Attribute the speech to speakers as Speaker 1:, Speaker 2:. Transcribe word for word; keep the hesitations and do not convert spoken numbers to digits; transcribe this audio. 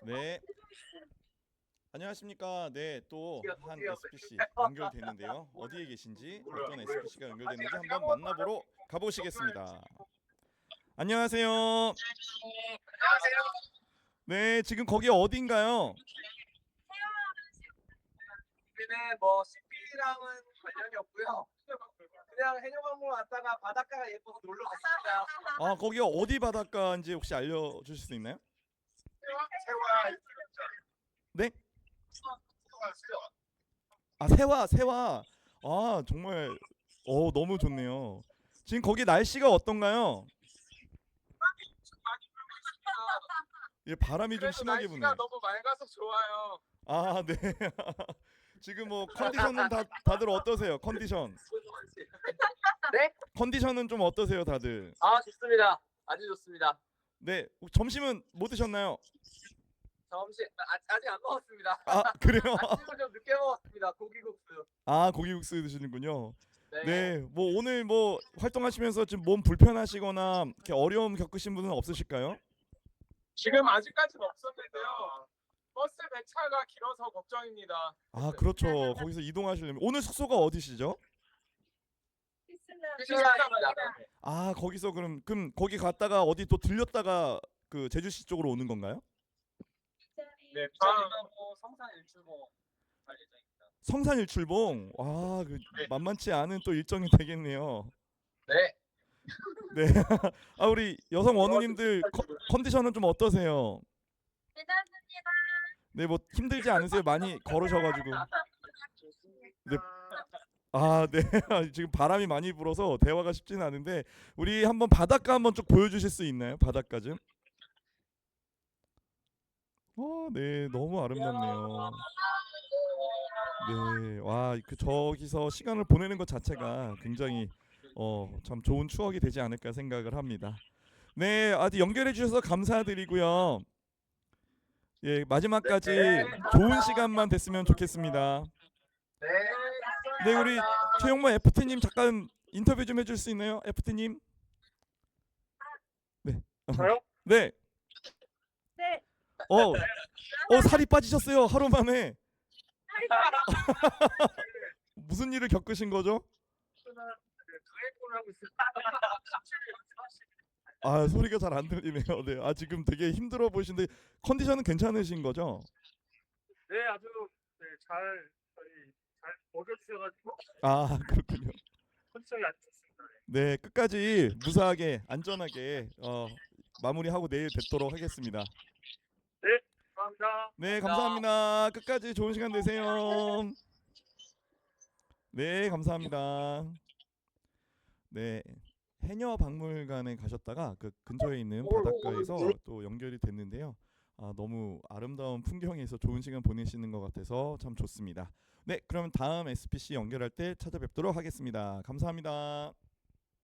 Speaker 1: 네, 안녕하십니까. 네, 또 한 에스피씨 연결되는데요. 어디에 계신지, 어떤 에스피씨가 연결되는지 한번 만나보러 가보시겠습니다. 안녕하세요. 네, 지금 거기 어딘가요?
Speaker 2: 여기는 뭐 씨피랑은 관련이 없고요. 그냥 해녀광물 왔다가 바닷가가 예뻐서 놀러 왔습니다.
Speaker 1: 아, 거기가 어디 바닷가인지 혹시 알려주실 수 있나요?
Speaker 2: 세화
Speaker 1: 네? 아, 세화, 세화. 아, 정말 어 너무 좋네요. 지금 거기 날씨가 어떤가요? 예, 바람이 좀
Speaker 2: 그래도
Speaker 1: 심하게
Speaker 2: 날씨가
Speaker 1: 부네요.
Speaker 2: 너무 맑아서 좋아요.
Speaker 1: 아, 네. 지금 뭐 컨디션은 다 다들 어떠세요? 컨디션.
Speaker 2: 네?
Speaker 1: 컨디션은 좀 어떠세요, 다들?
Speaker 2: 아 좋습니다. 아주 좋습니다.
Speaker 1: 네. 점심은 뭐 드셨나요?
Speaker 2: 점심 아, 아직 안 먹었습니다.
Speaker 1: 아, 그래요?
Speaker 2: 아침을 좀 늦게 먹었습니다. 고기국수.
Speaker 1: 아, 고기국수 드시는군요.
Speaker 2: 네.
Speaker 1: 네. 뭐 오늘 뭐 활동하시면서 좀 몸 불편하시거나 이렇게 어려움 겪으신 분은 없으실까요?
Speaker 2: 지금 아직까지는 없었는데요. 버스 배차가 길어서 걱정입니다.
Speaker 1: 아, 그렇죠. 거기서 이동하시려면 오늘 숙소가 어디시죠?
Speaker 2: 피시방입니다.
Speaker 1: 아, 거기서 그럼 그럼 거기 갔다가 어디 또 들렸다가 그 제주시 쪽으로 오는 건가요?
Speaker 2: 네. 부산하고 성산 일출봉 갈 예정입니다.
Speaker 1: 성산 일출봉. 와, 그
Speaker 2: 네.
Speaker 1: 만만치 않은 또 일정이 되겠네요.
Speaker 2: 네.
Speaker 1: 네. 아, 우리 여성 원우님들 컨- 컨디션은 좀 어떠세요?
Speaker 3: 괜찮습니다.
Speaker 1: 네, 뭐 힘들지 않으세요? 많이 걸으셔가지고. 네. 아, 네. 지금 바람이 많이 불어서 대화가 쉽지는 않은데 우리 한번 바닷가 한번 쭉 보여주실 수 있나요? 바닷가 좀. 어, 네, 너무 아름답네요. 네, 와, 그 저기서 시간을 보내는 것 자체가 굉장히 어, 참 좋은 추억이 되지 않을까 생각을 합니다. 네, 아주 연결해 주셔서 감사드리고요. 예, 마지막까지
Speaker 2: 네.
Speaker 1: 좋은 시간만 됐으면 좋겠습니다.
Speaker 2: 네.
Speaker 1: 네, 우리 최용모 에프티님 잠깐 인터뷰 좀 해줄 수 있나요, 에프티님? 네.
Speaker 2: 저요?
Speaker 1: 네.
Speaker 3: 네.
Speaker 1: 어, 어 살이 빠지셨어요 하루 만에. 무슨 일을 겪으신 거죠?
Speaker 2: 드라이브를 하고 있어요.
Speaker 1: 아, 소리가 잘 안 들리네요. 네, 아 지금 되게 힘들어 보이신데 컨디션은 괜찮으신 거죠?
Speaker 2: 네, 아주 네, 잘 저희 잘 먹여주셔가지고
Speaker 1: 아, 그렇군요.
Speaker 2: 컨디션이 아주 좋습니다.
Speaker 1: 네, 끝까지 무사하게 안전하게 어, 마무리하고 내일 뵙도록 하겠습니다.
Speaker 2: 네, 감사합니다.
Speaker 1: 네, 감사합니다. 끝까지 좋은 시간 되세요. 네, 감사합니다. 네, 해녀 박물관에 가셨다가 그 근처에 있는 바닷가에서 또 연결이 됐는데요. 아, 너무 아름다운 풍경에서 좋은 시간 보내시는 것 같아서 참 좋습니다. 네, 그럼 다음 에스피씨 연결할 때 찾아뵙도록 하겠습니다. 감사합니다.